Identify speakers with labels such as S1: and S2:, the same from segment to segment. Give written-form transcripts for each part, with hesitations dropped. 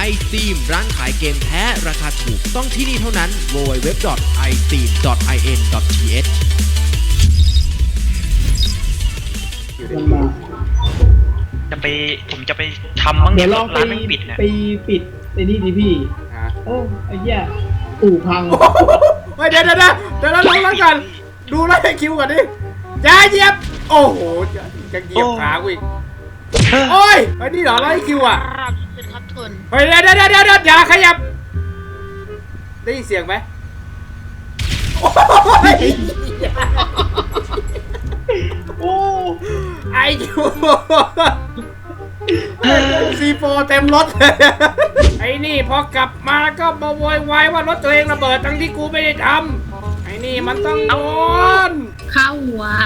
S1: iSteam ร้านขายเกมแท้ราคาถูกต้องที่นี่เท่านั้น www.isteam.in.th
S2: ผมจะไปทำบ้าง
S3: เดี๋
S2: เนี่ย
S3: ยวลอง
S2: ร้านไม่ปิดนะ
S3: ไปปิดไอ้นี่ดิพี่ไอ้เหี้ยอู่พัง
S4: เดี๋ยวลงแล้วกันดูไล่คิวก่อนดิอย่าเหยียบโอ้โหจะเหยียบขากูอีกโอ้ยไอ้นี่เหรอไล่คิวอ่ะ
S5: เป็นครับทุน
S4: เฮ้ยเดี๋ยวอย่าขยับได้ยินเสียงไหมโอ้ไอคิวซีโฟเต็มรถไอ้นี่พอกลับมาก็มาโวยวายว่ารถตัวเองระเบิดทั้งที่กูไม่ได้ทำไอ้นี่มันต้องโดน
S5: ข้าวหัว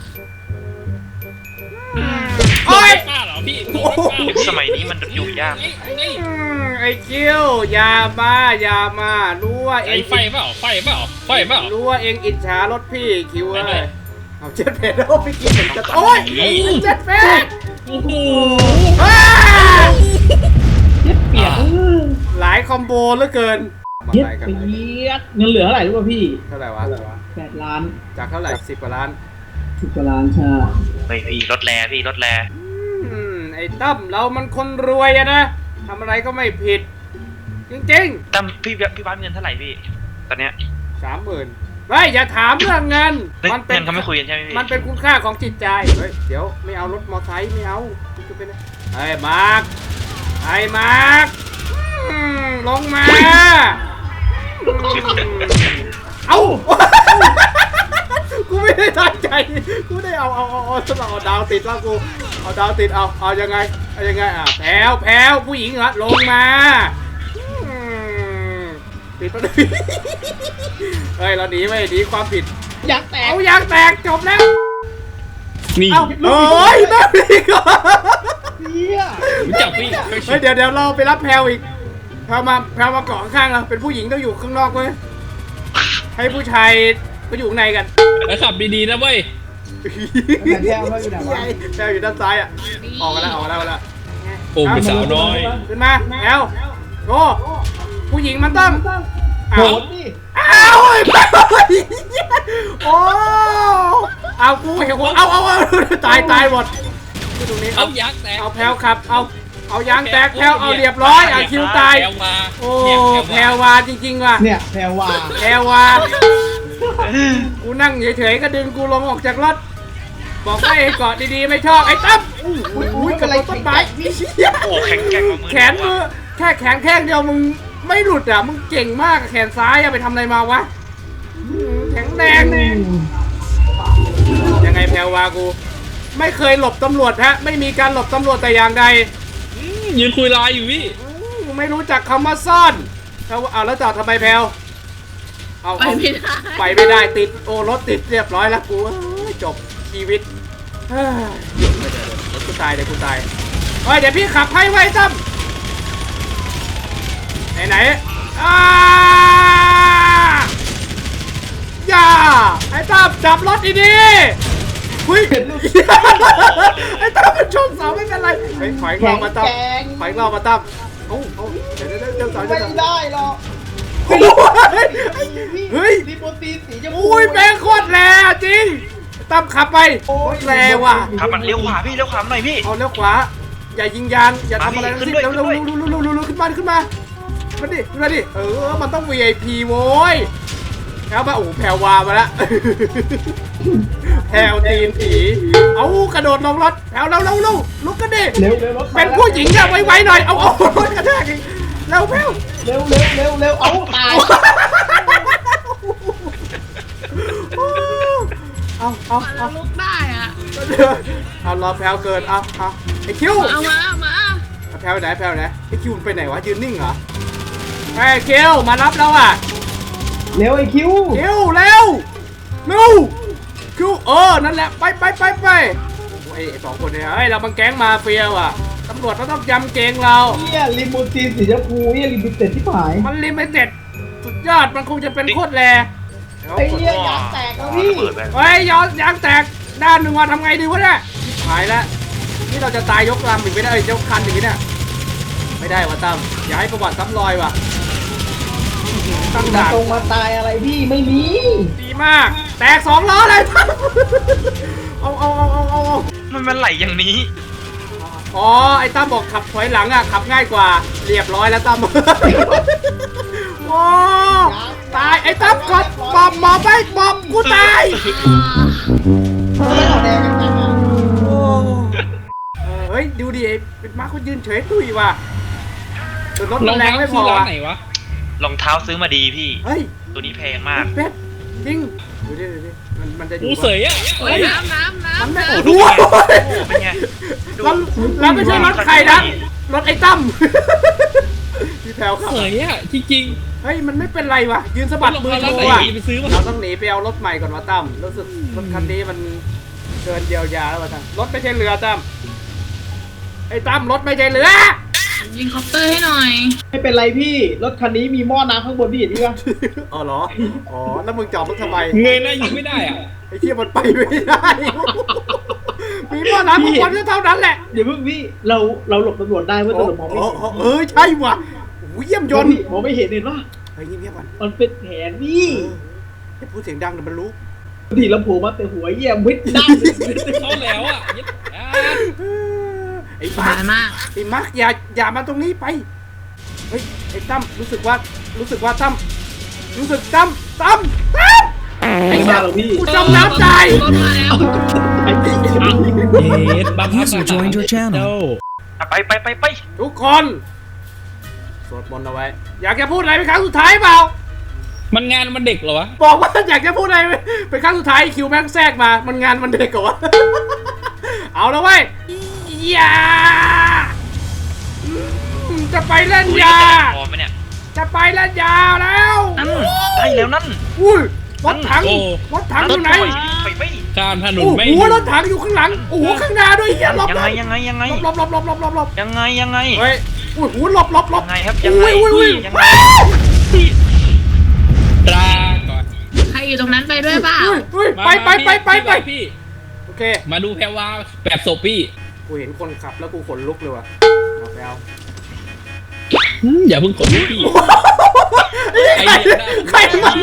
S4: โอ้ย
S6: ป้าเหรอพี่
S2: สมัยนี้มันอยู่ยาก
S4: ไอ้คิวอย่ามารู้ว่าเอ
S6: ไอ้
S4: ง
S6: ไฟเปล่า
S4: รู้ว่าเองอิจฉารถพี่คิวเลยเอาเจ็ดเพดโอ้พี่กินเหมือนจะโอ้ยเจ็ดเพด
S6: โอ้โห
S3: เปียก
S4: หลายคอมโบเหลือเกิน
S3: เย็ดไปเย็ดเงินเหลือเท่าไหร่รู้ป่ะพี่
S4: เท่าไหร่วะ
S3: 8 ล้าน
S4: จากเท่าไหร่10 กว่าล้าน
S3: 10 กว่าล้านใช่
S2: เฮ้ยพี่รถแร่
S4: ไอ้ตั้มเรามันคนรวยอะนะทำอะไรก็ไม่ผิด จริง
S2: ตั้มพี่บ้านเงินเท่าไหร่พี่ตอนเนี้ย
S4: ๆ 30,000ไม่อย่าถามเรื่องเงิน มันเป็น
S2: เงินเขาไม่คุยกันใช่ไหมพี่
S4: มันเป็นคุณค่าของจิตใจเฮ้ยเดี๋ยวไม่เอารถมอไซค์ไม่เอาจะเป็นไอ้มาร์คลงมาเอ้า กูไม่ได้ตั้งใจกูได้เอาดาวติดแล้วกูเอาดาวติดเอายังไงแพรวผู้หญิงเหรอลงมาปิดประตู เฮ้ยเราหนีไม่หนีความผิด
S3: อยากแตก
S4: เอายางแตกจบแล้ว
S6: นี่
S4: เอาโอ้ยนั่นอีกเหรอ
S3: เหี้ย
S6: รู้จักพี่
S4: เฮ้ยเดี๋ยวเราไปรับแพรวอีกแพรวมาเกาะข้างเราเป็นผู้หญิงต้องอยู่ข้างนอกเว้ยให้ผู้ชายก็อยู่ข้างในกัน
S6: แล้วขับดีๆนะเว้ย
S3: แต่แก้วไม่อยู่ไหนวะ
S4: แพรวอยู่ด้านซ้ายอ่ะออกมาแล้ว
S6: โอ้เป็นสาวน้อย
S4: ขึ้นมาแพรวโอ้ผู้หญิงมันต้อง
S3: โห
S4: อ้าว
S3: ดดิ
S4: อ้าวโอ้เอากูเห็นหัวเอาตายหมดตรงนี้
S6: เอายักษ์แตก
S4: เอาแพลวขับเอายางแตกแพลวเอาเรียบร้อยเอาคิวตาย
S6: แพรวมา
S4: โอ้
S6: เนี่ย
S4: แพรวาจริงๆว่ะ
S3: เนี่ยแพรวา
S4: แพรวากูนั่งเฉยๆก็ดึงกูลงออกจากรถบอกให้เกาะดีๆไม่ชอบไอ้ตั้มอุ้ยกระโดดต้นไม้
S2: โอ้แข็งแกร่งกว่ามือ
S4: แขนมือแค่แขนแข้งเดียวมึงไม่หลุดอ่ะมึงเก่งมากแขนซ้ายอะไปทำอะไรมาวะแข็งแรงยังไงแพรวากูไม่เคยหลบตำรวจฮะไม่มีการหลบตำรวจแต่อย่างใด
S6: ยืนคุยไลน์อยู่พี่
S4: ไม่รู้จักคำว่าซ่อนเอาแล้วจอดทำไมแพลวเอา
S5: ไปไม่ได้
S4: ไปไม่ได้ติดโอ้รถติดเรียบร้อยแล้วกูจบชีวิตเฮ้ยเดี๋ยวกูตายเดี๋ยวพี่ขับให้ไว้ตั้มไหนอย่าไอ้ตั้มจับรถดีๆหุ้ยไอ้ตั้มมันชนเสาไม่เป็นไรเฮ้ยถอยเรามาตั้มเดี๋ยวสาว
S3: ไม่ได้หรอก
S4: เฮ้ย
S3: รีโมตีนสีชมพู
S4: อุ้ยแม่งโคตรแรงจริงตั้มขับไปโคตรแรงว่ะ
S2: ครับมันเลี้ยวขวาพี่เลี้ยวขวาหน่อยพี่
S4: เอาเลี้ยวขวาอย่ายิงยางอย่าทำอะไรทั้งสิ้น
S2: ขึ้นด้วย
S4: เร็วขึ้นมาดิมันต้อง VIP โว้ยแล้วมาโอ้แพรวามาละแพรวตีนผีเอากระโดดลงรถแพรวเร็วลุกกันดิ
S3: เร็วรถ
S4: เป็นผู้หญิงอะไวๆหน่อยเอารถกระแทกอีกเร็วแพรว
S3: เร็วเอาตาย
S4: เอา
S5: แล้วลุกได้อ่ะ
S4: เอารอแพลวเกินเอาไอคิว
S5: เอามา
S4: แพลวไหนไอคิวมันไปไหนวะยืนนิ่งเหรอไอคิวมารับแล้วอ่ะ
S3: เร็วไอ้คิว
S4: คิวเร็วคิวนั่นแหละไปไอสองคนเนี่ยเฮ้ยเราบังแก๊งมาเฟียว่ะตำรวจเขาต้องจำเกงเรา
S3: เนี่ยลิมูซีนสีชมพูเนี่ยลิมิเต็ดที่หาย
S4: มันลิมิเต็ดสุดยอดมันคงจะเป็นโคตรแร
S3: ไอ้เนี่ยยางแตกแล้วพี่
S2: เปิดไป
S4: เฮ้ยยางแตกด้านหนึ่งว่าทำไงดีวะเนี่ยหายแล้วนี่เราจะตายยกลำอีกไม่ได้ยกคันอีกเนี่ยไปไม่ได้ว่ะตั้มอย่าให้ประวัติซ้ำรอยว่ะตั้ง
S3: มา
S4: ด่าน
S3: ตรงมาตายอะไรพี่ไม่มี
S4: ดีมาก แตก2 ล้อเลยตั้มเอา
S2: มันไหลอย่างนี้
S4: อ๋อไอ้ตั้มบอกขับถอยหลังอ่ะขับง่ายกว่าเรียบร้อยแล้วตั้มโอ้ตายไอ้ตั้มกดบอมไปบอมกูตาย
S3: ไม่เอาแดงกันนะ
S4: โอ้เฮ้ยดูดิไอ้เป็นมาร์คเขายืนเฉยตุ้ยว่ะแต่รถ
S6: ร
S4: มั
S6: อน ง
S4: แรง
S6: เท้า
S4: ไม่พ
S6: ซื้
S4: อ
S6: อร้าน
S4: ว่ะ
S6: ไหนวะ
S2: รองเท้าซื้อมาดีพี่
S4: เฮ้ย
S2: ตัวนี้แพงมาก
S4: เป็ดจริงดูดิมันจะอยู่
S6: กูเสยอ่ะ
S5: โอ้ยน้ำ
S4: มันไม่
S5: น้ำ
S4: ดู
S2: เป็นไงดู
S4: แล้วไม่ใช่รถใครนะรถไอ้ตั้มพี่แพลวครับ
S6: เสยอ่ะจริง
S4: เฮ้ยมันไม่เป็นไรว่ะยืนสะ
S6: ๆ
S4: บัดมือ
S6: ร
S4: โช
S6: อง
S4: ว์
S6: เท้า
S4: อ่ะ
S6: ไหนไปซื้อมา
S4: เราต้องหนีไปเอารถใหม่ก่อนว่าตั้มรู้สึกรถคันนี้มันเกินเยียวยาแล้วว่ะตั้มรถไม่ใช่เรือตั้มไอ้ตั้มรถไม่ใช่เรือ
S5: ยิงคอปเตอร์ให้หน่อย
S3: ไม่เป็นไรพี่รถคันนี้มีหม้อน้ำข้างบนพี่เห็นปะ
S4: อ๋อเหรออ๋อแล้วมึงจอดรถทำไม
S6: เงยหน้ายิงไม่ได้อ่ะ
S4: ไอ้เที่ยมันไปไม่ได้ มีหม้อน้ำของคนก็เท่านั้นแหละ
S3: เดี๋ยวเพิ่งพี่เราหลบตำรวจได้เว้ยตำรวจมองไม่เห็น
S4: ใช่ว่ะโอ้ยเยี่ยมยนต์
S3: พี่มองไม่เห็นเห็นปะ
S4: เฮ้ยเงียบๆก่อน
S3: มันเป็นแผนพี่
S4: อย่าพูดเสียงดังเดี๋ยวมันรู้
S3: ดีลำโพงมาแต่หัวเยี่ยมวิทย์ด้าน
S6: เข้าแล้วอ่ะยึดอ่ะ
S4: ไอ้
S5: ส
S4: มาร์
S5: บายมาก
S4: ไอ้มาร์คอย่ามาตรงนี้ไป เฮ้ยไอ้ตั้มรู้สึกว่าตั้ม
S3: ไอ้มาหรอพี่
S4: กูจมน้ำตาย
S5: รถมาแล้ว
S3: ไอ้พี่
S6: เย็ดบังคับ
S1: User joined your channel
S2: ไป
S4: ทุกคนสวดมนต์เอาไว้ อยากจะพูดอะไรเป็นครั้งสุดท้ายเปล่า
S6: มันงานมันเด็กเหรอวะ
S4: บอกว่าอยากจะพูดอะไรเป็นครั้งสุดท้ายคิวแม่งแทรกมามันงานมันเด็กกว่า เอาแล้วเว้ยอย่าจะไปเล่น
S2: อุ้ย
S4: ยา
S2: พอไหมเนี่ย
S4: จะไปเล่นยาแล้ว
S2: นั่นได้แล้วนั่น
S4: อุ้ยรถถังอยู่ไหน
S2: ไป
S6: ข้ามถนน
S4: โอ้
S6: ไม่
S4: โหรถถังอยู่ข้างหลังโอ้โหข้างหน้าด้วยเฮียหลบ
S2: ยัง
S4: ห
S2: ไง
S4: ลบ
S2: ยังไงยังไง
S4: หลบ
S2: ยังไง
S4: เฮ้ยโอ้โหหลบ
S2: ยังไงครับยังไง
S4: อุ้ย
S2: ยังไง
S6: ตราก่อน
S5: ใครอยู่ตรงนั้นไปด้วยเปล่า
S4: อุ้ย
S6: มา
S4: ไป
S6: พี่
S4: โอเค
S6: มาดูแพรวาแบบศพพี่
S4: กูเห็นคนขับแล้วกูขนลุกเลยว่ะเอาไปเอา
S6: อย่าเพิ่งกดพี่ ไอ้เหี้ยได้
S4: ใครมัน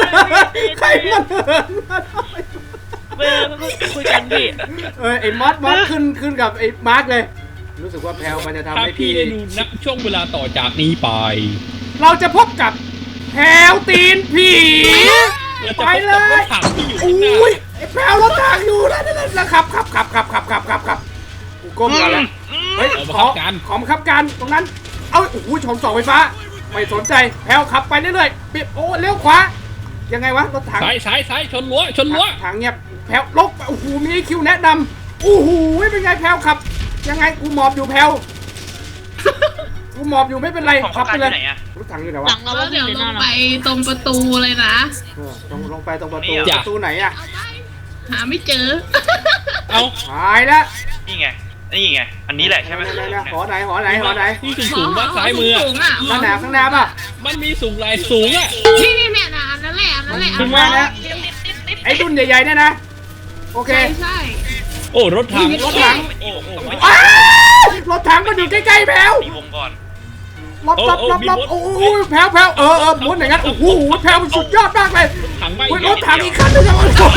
S2: คุยกันพี่
S4: ไอ้มอสขึ้นกับไอ้มาร์คเลย รู้สึกว่าแพลวมันจะทำ
S6: ถ้า
S4: ให้
S6: พี่
S4: พี่
S6: ได้ดูนักช่วงเวลาต่อจากนี้ไป
S4: เราจะพบกับแพลวตีนผี
S6: เราจะ
S4: ไป
S6: พบ
S4: เล
S6: กับร
S4: ย
S6: ถถังที่อยู่ข้างหน้า
S4: อุ้ยไอ้แพลวรถถังอยู่แล้วขับกูก้มก่อนแล้วเฮ้ยของขับการตรงนั้น เอาโอ้โหชนเสาไฟฟ้าไม่สนใจแพลวขับไปเรื่อยๆปิดโอ้เลี้ยวขวายังไงวะรถถัง
S6: ซ้ายชนรั้ว
S4: ทางเงียบแพลวลบโอ้โหมีไอ้คิวแนะนำโอ้โหเป็นไงแพลวขับ ยังไงกูหมอบอยู่แพลวกูหมอบอยู่ไม่เป็นไร
S2: ของ
S4: ขับไปเลย
S2: ไหนอะ
S4: รถถังอยู่ไหน
S5: ห
S4: วะ
S5: ลังเราแล้วเดี๋ยวลงไปตรงประตูเลยนะ
S4: ต้องลงไปตรงประตู
S2: นี่เหรอ
S4: ประตูไหนอะ
S5: เอาไปหาไม่เจอ
S6: เอา
S4: หายแล้ว
S2: นี่ไงอันนี้แหละใช่ไหม
S4: หอไหน
S6: ที่สูงว่าซ้ายมือ
S5: สูงอ่ะ
S4: ข้างหน้าป่ะ
S6: มันมีสูงลายสูงอ่ะ
S5: นี่เนี่ยนะอันนั้นแหละ
S4: ถึงว่านะไอ้รุ่นใหญ่ๆเนี่ยนะโอเค
S5: ใช่
S6: โอ้รถถัง
S4: รถถัง
S2: โอ้
S4: อ้าวรถถังมันอยู่ใกล้ๆแพลว
S2: ตีวงก่อน
S4: ลบโอ้โหแพลวหมุนอย่างนั้นโอ้โหแพลวมันสุดยอดมากเลย
S6: ถังไป
S4: รถถังอีกคันนึงอะ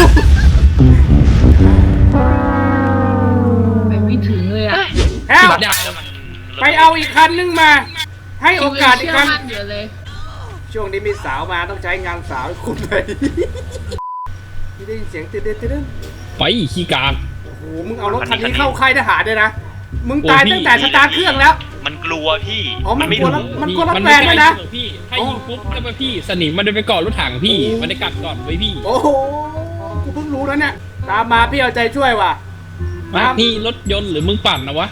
S5: ไปไม่ถึงเลยอ่ะ
S4: แพลว
S6: ดาว
S4: ไปเอาอีกคันนึงมา ให้โอกาสอีกครั้ง
S5: เชื่มั่นอยู่เลย
S4: ช่วงนี้มีสาวมาต้องใช้งานสาวให้คุณเลยไม่ได้ยินเสียงตื่น
S6: ไปขี้กาก
S4: โอ้โหมึงเอารถคันนี้เข้าค่ายทหารด้วยนะมึงตายตั้งแต่สตาร์ทเครื่องแล้ว
S2: มันกลัวพี่
S4: อ๋อมัน
S2: ไม่
S4: กลัว
S2: รู้
S4: แล้วมันกลัวรถ
S6: มัน
S4: แฟนด้วยนะ
S6: พี่ถ้ายิงปุ๊บแล้วไปพี่สนิมมันจะไปเกาะรถถังพี่ มันจะกัดก่อนไว้พี่
S4: โอ้โหกูเพิ่งรู้แล้วเนี่ยตามมาพี่เอาใจช่วยว่ะ
S6: มานี่รถยนต์หรือมึงปั่นนะวะ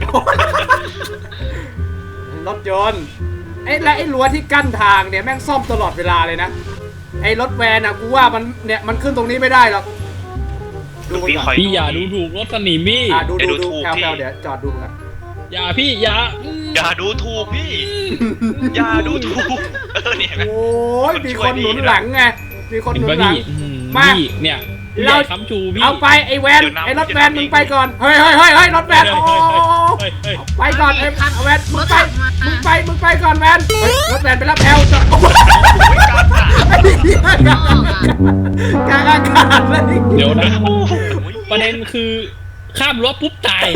S4: รถยนต์และไอ้รั้วที่กั้นทางเนี่ยแม่งซ่อมตลอดเวลาเลยนะไอ้รถแวนอ่ะกูว่ามันขึ้นตรงนี้ไม่ได้หรอกดูมัน
S2: พี่
S4: ก่อน
S2: คอย
S6: พี่อย่าดูถูกรถสนิมพี่
S4: ดูแพลวเดี๋ยวจอดดูกัน
S6: อย่าพี่อย่า
S2: อย่าดูถูกพี่ อย่าดูถูกเนี่ย
S4: โอ้ยมีคนหนุนหลังไงมีคน
S6: เห็
S4: ห
S6: น
S4: นุน
S6: ปะ
S4: หลัง
S6: พี่
S4: มา
S6: พี่เนี่ย
S4: เรา
S6: เราค้ำชูพี่
S4: เอาไปไอ้แวนไอ้รถแวนมึงไปก่อนเฮ้ยรถแวนโอ้
S6: เฮ้ย
S4: ไปก่อนไอ้แวนมึงไปก่อนแวนเฮ้ยรถแวนไปรับแพลวจะไอ้เหี้ยกลางอากาศเลย
S6: เดี๋ยวนะประเด็นคือข้ามรั้วปุ๊บตาย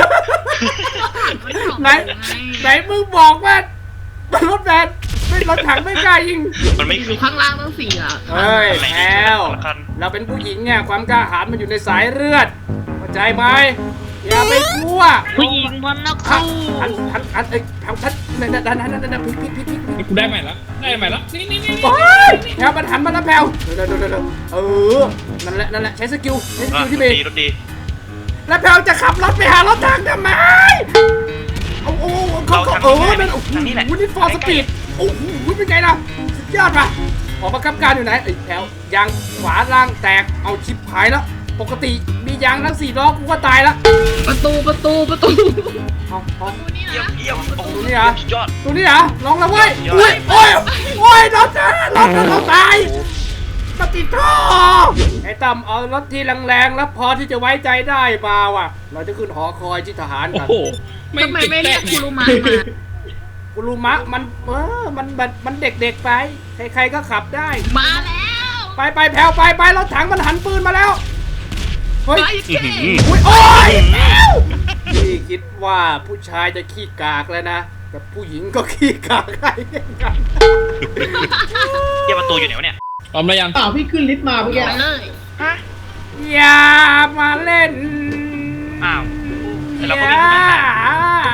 S4: ไหนมึงบอกว่ารถแวนไม่รถถังไม่กล้ายิง
S2: มันไม่
S5: อยู่ข้างล่างต้องสี่อ่ะ
S4: เฮ้ยแพลวเราเป็นผู้หญิงเนี่ยความกล้าหาญมันอยู่ในสายเลือดเข้าใจไหมอย่าไปกลัว
S5: ผู้หญิงมันนักสู้
S4: อันเอ้ยทำทัดนั่นพิษ
S6: นี่กูได้ใหม่ละนี่
S4: โอ้ยแพลวมันหันมาแล้วแพลวเดี๋ยวนั่นแหละใช้สกิลที่มี
S2: รถดี
S4: แล้วแพลวจะขับรถไปหารถถังทำไมโอ้เขานั่นโอ้โหนี่ฟอร์สปีดโอ้โหเป็นไงล่ะสุดยอดป่ะออกมาคับการอยู่ไหนไอ้แพลวยางขวาล่างแตกเอาชิปหายแล้วปกติมียางทั้ง4ล้อกูก็ตายแล้ว
S5: ประตู
S4: เอา
S5: นี่
S2: เยี่ย
S5: นะ
S2: มเยี่ยมโอ้โห
S4: ตัวนี้เหรอ
S2: สุดยอด
S4: ตัวนี้เหรอลองแล้วเว้ยโอ้ยเราตายปฏิท่อไอ้ตั้มเอารถที่แรงๆแล้วพอที่จะไว้ใจได้มาว่ะเราจะขึ้นหอคอยที่ทหาร
S6: โอ้
S4: กัน
S6: โห
S5: ทำไมไม่เรียกคุรุมะมา
S4: กุลูมะมันเด็กๆไปใครๆก็ขับได้
S5: มาแล้ว
S4: ไปแผ่วไปรถถังมันหันปืนมาแล้วเฮ้ย
S5: ไปเก่ง
S4: โอ้ยพี่คิดว่าผู้ชายจะขี้กากแล้วนะแต่ผู้หญิงก็ขี้กากได้เหมือนกัน
S2: เยี่ยมประตูอยู่ไหนวะเนี่ย
S6: พร้อมแล้วยัง
S3: เปล่าพี่ขึ้นลิฟต์มาเมื่อกี้
S5: ไปเลย
S4: อย่ามาเล่น
S2: อ้าวแต่เรา
S4: อ
S2: ก็
S4: ย่า
S2: มีปัญหา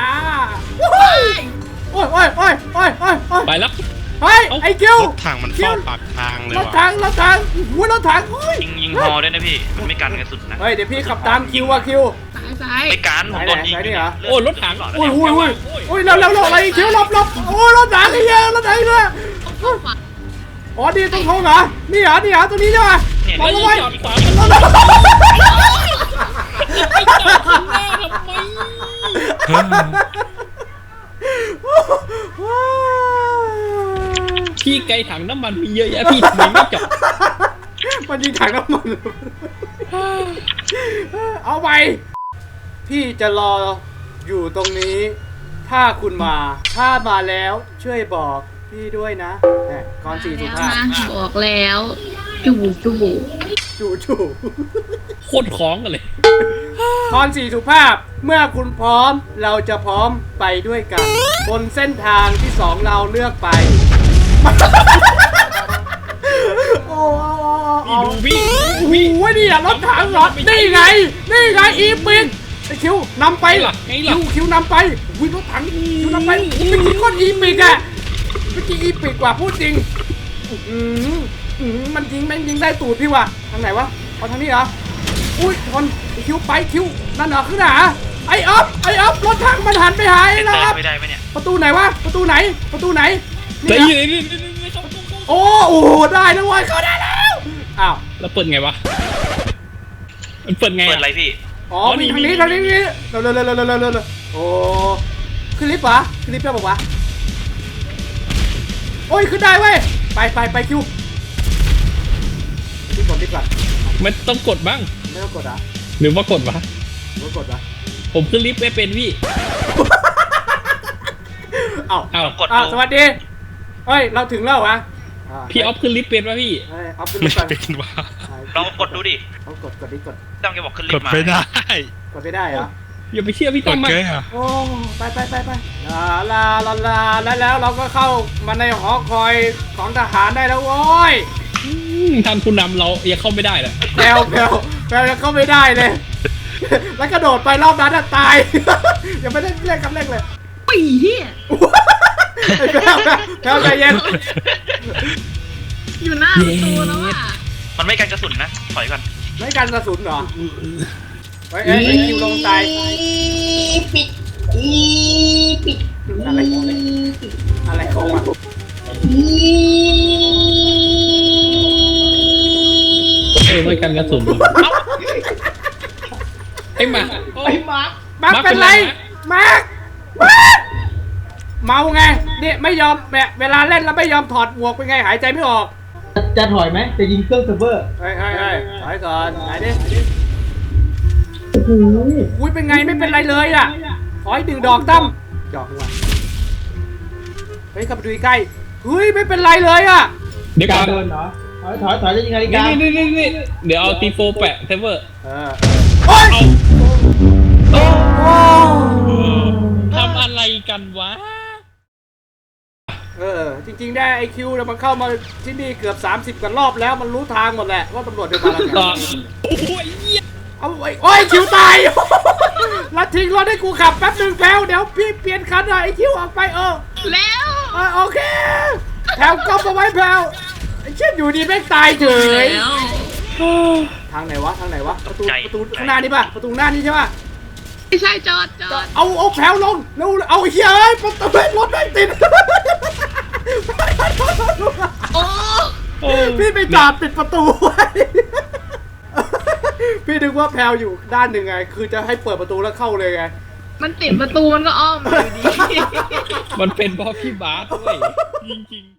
S4: โอ้ย
S6: ไปแล้ว
S4: เฮ้ยไอ้คิว
S7: รถถังมันเฝ้าปากทางเลย
S4: รถ
S7: ว่ะ
S4: ถังอุ้ยรถถังเฮ้ย
S2: ยิงฮอด้วยนะพี่ มันไม่กันกระสุนนะ
S4: เฮ้ยเดี๋ยวพี่ขับตามคิวอะคิว
S5: ซ้าย
S2: ไอ้การผมโดนยิง
S4: ไหนเหรอ
S6: โอ้รถถัง
S4: โอ้ยเร็วอะไรคิวหลบโอ้ยรถถังไอ้เหี้ยรถถังเลย อ๋อนี่ต้องโทงเหรอนี่เหรอตัวนี้ใช่ไหม
S2: เนี่ย
S4: ลอง
S6: แล้ว
S4: เอาไว้
S6: จอดขวามันไม่จอดข้างหน้าทำไมพี่ไกลถังน้ำมันมีเยอะแยะพี่ทำไมไม่จอด
S4: มันยิงถังน้ำมันเอาไปพี่จะรออยู่ตรงนี้ ถ้าคุณถ้ามาแล้วช่วยบอกพี่ด้วยนะก่อนสี่สุภาพ
S5: บอกแล้วจูบ
S4: จู่
S6: โคตรคล้องกันเลย
S4: ตอนสี่สุภาพเมื่อคุณพร้อมเราจะพร้อมไปด้วยกัน บนเส้นทางที่สองเราเลือกไปโอ้
S6: พี่
S4: โหนี่อะรถถังเหรอนี่ไงอีปิกไอคิวนำไปคิวนำไปวิ่งรถถังคิวนำไปเป็นกี่คนอีปิกอะเป็นกี่อีปิกกว่าพูดจริงมันยิงแม่งยิงได้ตูดพี่ว่ะทางไหนวะเอาทางนี้เหรออุ้ยชนคิวไปคิวนั่นเหรอขึ้นหนาไอ้อ๊อฟรถถังมันหันไปหาไอ้นะครับ
S2: ไม่ได้ไหมเนี่ย
S4: ประตูไหนวะประตูไหน
S6: แต่
S4: นี่
S6: อยู่
S4: นะ
S6: นี่เข้า
S4: โอ้โหได้แล้วเว้ยเข้าได้แล้วอ้าว
S6: แล้วเปิดไงวะมันเปิดไง
S2: เปิดอะไรพี่
S4: อ๋อมีทางนี้เร็วโอ้ขึ้นลิฟต์ปะขึ้นลิฟต์ได้ปะวะโอ้ยขึ้นได้เว้ยไปคิวรีบกด
S6: มันต้องกดบ้าง
S4: ไม่ต้องกดอ่ะ
S6: หรือว่ากดวะ
S4: ไม่กดวะ
S6: ผมขึ้นลิฟต์ไม่เป็นพี่
S4: เอ้า
S6: อ้าว
S2: กด
S4: สวัสดีเฮ้ยเราถึงแล้ววะ
S6: พี่ออฟขึ้นลิฟต์เป็นวะพี่
S4: เฮ้ยออฟขึ้น
S7: ไม่
S4: ลิฟต์ก่อน
S7: เป็นว่ะ
S2: ลองกดดูดิ
S4: เอากดดิกด
S2: ต้องแกบอกขึ้นลิ
S7: ก
S2: ฟ
S7: ด
S2: ต์มา
S7: ไม่ได้
S4: กดไม่ได้เหรอ
S6: อย่าไปเชื่อพี่
S7: ก
S6: ต้อ
S7: ด
S6: มมา
S7: เกยอ่ะ
S4: โอ้ไปลาแล้วเราก็เข้ามาในหอคอยของทหารได้แล้วโว้ย
S6: ท่านผู้นำเรายังเข้าไม่ได้เลย
S4: แพลวยังเข้าไม่ได้เลย แล้วกระโดดไปรอบนั้นอะตาย ยังไม่ได้เล่นคำเล่นเลย
S5: ปีเฮีย
S4: ไอ้แพลวใจเย็น
S5: อยู่หน้าประตูแล้วอ่ะ
S2: มันไม่กันกระสุนนะถอยก่อน
S4: ไม่กันกระสุนเหรอไอ้คิวลงตายอะไรของมัน
S6: ไม่กันกระสุนไอ้หมา
S4: มาร์คเป็นไรมาร์คเมาไงเนี่ยไม่ยอมแบบเวลาเล่นแล้วไม่ยอมถอดหมวกเป็นไงหายใจไม่ออก
S3: จะถอยไหมจะยิงเครื่องเซิร์ฟเวอร์
S4: เฮ้ยถอยก่อนไหนดิ
S3: โอ้โห
S4: อุ้ยเป็นไงไม่เป็นไรเลยอ่ะขออีก1 ดอกตั้มหยอกว่ะเฮ้ยขับไปดูใกล้เฮ้ยไม่เป็นไรเลยอ่ะ
S6: เดี๋ยวก่อน
S3: เดินเหรอถอยจะยิงนาฬิกา
S6: นี่เดี๋ยวเอาตีโฟแปะเทเวอร์
S4: โอ้ย
S6: โอ้
S4: โอ้
S6: ทำอะไรกันวะ
S4: จริงๆได้ไอคิวเนี่ยมันเข้ามาที่นี่เกือบ30กันรอบแล้วมันรู้ทางหมดแหละว่าตำรวจเดินมาแล้วไง
S6: โอ้ยเหี้ย
S4: เอาไอ้โอ้ยคิวตาย แล้วทิ้งรถให้กูขับแป๊บนึงแพลวเดี๋ยวพี่เปลี่ยนคันหน่อยไอคิวออกไป
S5: แล้ว
S4: โอเคแพลวก๊อปเอาไว้แพลวไอ้เช่นอยู่ดีแม่งตายเฉย
S5: แล้ว
S4: ทางไหนวะประตูข้างหน้านี่ป่ะประตูหน้านี่ใช่ป่ะ
S5: ไม่ใช่จอด
S4: เอาแพลวลงแล้วเอาเฮียเอ้ยประตูรถไม่ติด
S5: โอ้
S4: พี่ไปจอดปิดประตูไว้ พี่นึกว่าแพลวอยู่ด้านหนึ่งไงคือจะให้เปิดประตูแล้วเข้าเลยไง
S5: มันติดประตูมันก็อ้อมอยู่ดี
S6: มันเป็นเพราะพี่บาสด้วยจริงๆ